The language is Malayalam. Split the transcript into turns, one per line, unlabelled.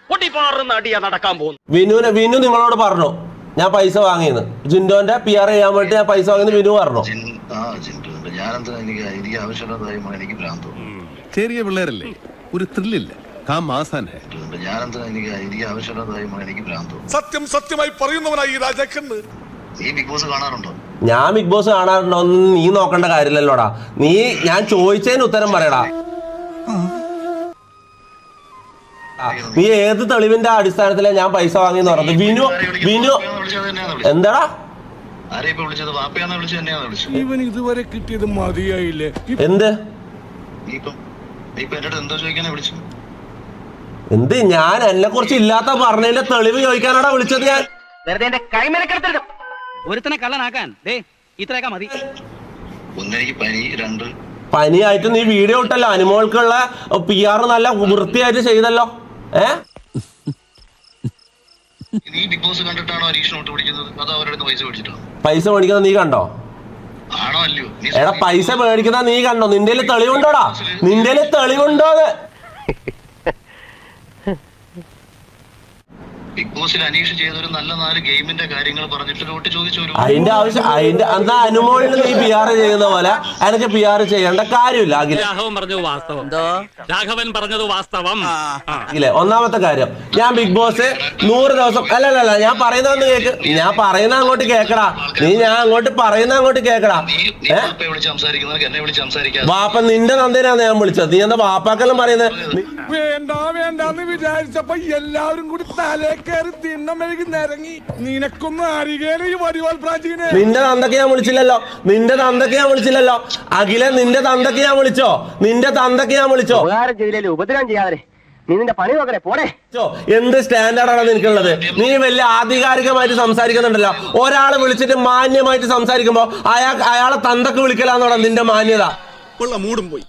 നടക്കാൻ പോകുന്നു.
വിനു നിങ്ങളോട് പറഞ്ഞു ഞാൻ പൈസ വാങ്ങിയെന്ന്, ജിൻഡോന്റെ PR ചെയ്യാൻ വേണ്ടി ഞാൻ പൈസ വാങ്ങിയെന്ന് വിനു പറഞ്ഞു.
ചെറിയ പിള്ളേരല്ലേ, ഒരു ത്രില്ലില്ല.
സത്യം സത്യമായി പറയുന്നവനായി ഈ രാജാക്കന്ന്.
ഞാൻ ബിഗ് ബോസ് കാണാറുണ്ടോ ഒന്നും നീ നോക്കേണ്ട കാര്യമില്ലല്ലോടാ. ഞാൻ ചോദിച്ചതിന് ഉത്തരം പറയടാ. നീ ഏത് തെളിവിന്റെ അടിസ്ഥാനത്തിലാണ് ഞാൻ പൈസ വാങ്ങിയെന്ന് പറഞ്ഞത്? വിനു എന്താടാ
ഇവൻ ഇതുവരെ കിട്ടിയത് മതിയായില്ലേ?
എന്ത് ഞാൻ എന്നെ കുറിച്ച് ഇല്ലാത്ത പറഞ്ഞതിന്റെ തെളിവ് ചോദിക്കാനാടാ വിളിച്ചത്. ഞാൻ
ഒരുത്തനെ കള്ളനാക്കാൻ ഇത്രയൊക്കെ മതി.
പനിയായിട്ട് നീ വീഡിയോ ഇട്ടല്ലോ, അനുമോൾക്കുള്ള PR നല്ല വൃത്തിയായിട്ട് ചെയ്തല്ലോ. പൈസ മേടിക്കുന്നത് നീ കണ്ടോ? എടാ പൈസ മേടിക്കുന്ന നീ കണ്ടോ? നിന്റെ തെളിവുണ്ടോടാ? നിന്റെ തെളിവുണ്ടോ?
ബിഗ് ബോസിൽ അനീഷ് ചെയ്തൊരു നല്ല 4 ഗെയിമിന്റെ കാര്യങ്ങൾ പറഞ്ഞിട്ട് വോട്ട് ചോദിച്ചു.
അതിന്റെ ആവശ്യം എന്നാ അനുമോളിന് നീ PR ചെയ്യുന്ന പോലെ എനിക്ക് PR ചെയ്യേണ്ട കാര്യമില്ല.
രാഘവൻ പറഞ്ഞത് വാസ്തവം.
ഒന്നാമത്തെ കാര്യം, ഞാൻ ബിഗ് ബോസ് 100 ദിവസം അല്ലല്ല ഞാൻ പറയുന്നതെന്ന് കേക്ക്. ഞാൻ പറയുന്ന അങ്ങോട്ട് കേക്കടാ. ഞാൻ അങ്ങോട്ട് പറയുന്ന അങ്ങോട്ട് കേക്കടാ. വാപ്പ നിന്റെ നന്ദിനാണ് ഞാൻ വിളിച്ചത്. നീ എന്താ വാപ്പാക്കെല്ലാം പറയുന്നത്?
വേണ്ടെന്ന് വിചാരിച്ചപ്പോ എല്ലാവരും കൂടി തലേ കയറി തിണ്ണമെഴുകി നിരങ്ങി. നിനക്കൊന്നും അറിയേല ഈ വടിവാൾ പ്രാചീനെ.
നിന്റെ തന്തക്ക് ഞാൻ വിളിച്ചില്ലല്ലോ. അഖില നിന്റെ തന്തക്ക് ഞാൻ വിളിച്ചോ?
ഉപദ്രവം ചെയ്യാതെ നീ നിന്റെ പണി നോക്കണേ പോടേ.
എന്ത് സ്റ്റാൻഡേർഡാണ് നിനക്കുള്ളത്? നീ വലിയ ആധികാരികമായിട്ട് സംസാരിക്കുന്നുണ്ടല്ലോ. ഒരാളെ വിളിച്ചിട്ട് മാന്യമായിട്ട് സംസാരിക്കുമ്പോ അയാളെ തന്തക്ക് വിളിക്കലാന്നോടാ നിന്റെ മാന്യത.
മൂടും പോയി.